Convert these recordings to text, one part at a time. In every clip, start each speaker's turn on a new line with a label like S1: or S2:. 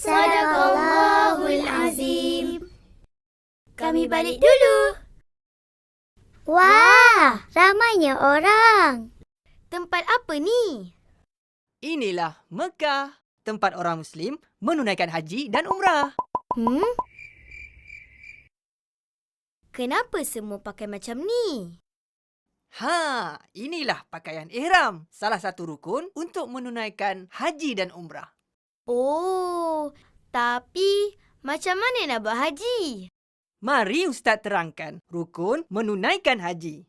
S1: Sadaqallahul Azim. Kami balik dulu.
S2: Wah, ramainya orang.
S1: Tempat apa ni?
S3: Inilah Mekah, tempat orang Muslim menunaikan haji dan umrah.
S1: Kenapa semua pakai macam ni?
S3: Inilah pakaian ihram, salah satu rukun untuk menunaikan haji dan umrah.
S1: Oh, tapi macam mana nak buat haji?
S3: Mari Ustaz terangkan rukun menunaikan haji.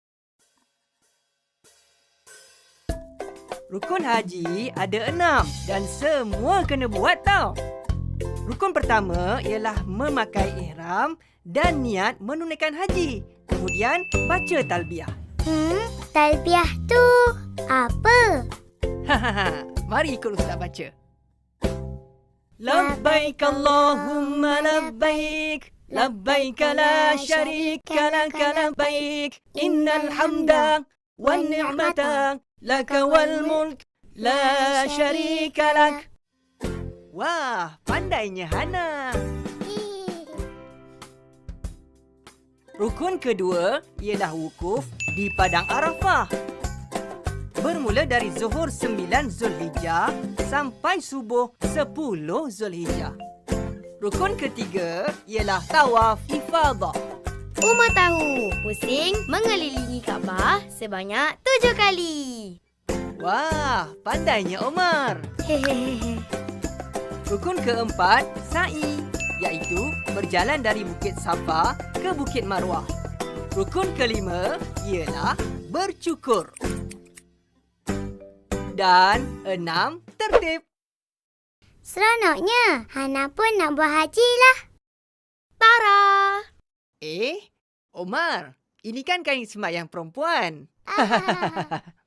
S3: Rukun haji ada 6 dan semua kena buat tau. Rukun pertama ialah memakai ihram dan niat menunaikan haji. Kemudian baca talbiyah.
S2: Talbiyah tu apa?
S3: Mari ikut Ustaz baca. Labbaik Allahumma labbaik. Labbaik la syarika laka labbaik. Innal hamda wan ni'mata laka wal mulk la syarika lak. Wah, pandainya Hana. Rukun kedua ialah wukuf di Padang Arafah. Bermula dari Zuhur 9 Zulhijjah sampai subuh 10 Zulhijjah. Rukun ketiga ialah tawaf ifadah.
S1: Umar tahu, pusing mengelilingi Kaabah sebanyak 7 kali.
S3: Wah, pandainya Omar.
S2: Hehehe.
S3: Rukun keempat, sa'i, iaitu berjalan dari Bukit Safa ke Bukit Marwah. Rukun kelima ialah bercukur. Dan 6, tertib.
S2: Seronoknya. Hana pun nak buat haji lah.
S1: Tara!
S3: Omar, ini kan kain sembahyang perempuan.